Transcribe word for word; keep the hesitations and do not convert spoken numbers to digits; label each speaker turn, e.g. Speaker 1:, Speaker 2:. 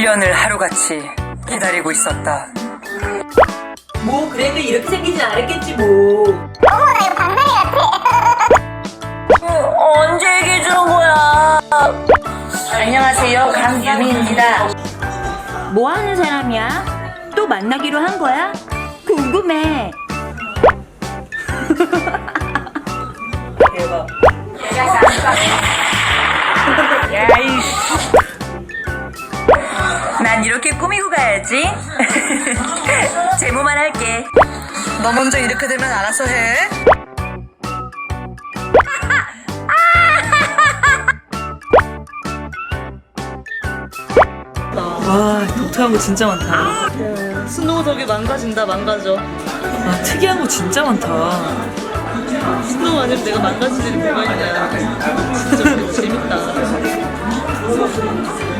Speaker 1: 년을 하루같이 기다리고 있었다.
Speaker 2: 뭐 그래도 이렇게 생기진 않았겠지 뭐.
Speaker 3: 어머 나 이거 방망이 같아.
Speaker 1: 언제 얘기해 주는 거야? 안녕하세요, 강유미입니다.
Speaker 2: 뭐 하는 사람이야? 또 만나기로 한 거야? 궁금해. 대박.
Speaker 1: 야이씨. 난 이렇게 꾸미고 가야지. 제모만 할게. 너 먼저 이렇게 되면 알아서 해.
Speaker 4: 와, 독특한 거 진짜 많다. 스노우 저게 망가진다, 망가져. 아, 특이한 거 진짜 많다. 스노우 아니면 내가 망가질 일이 뭐가 있냐. 진짜 재밌다.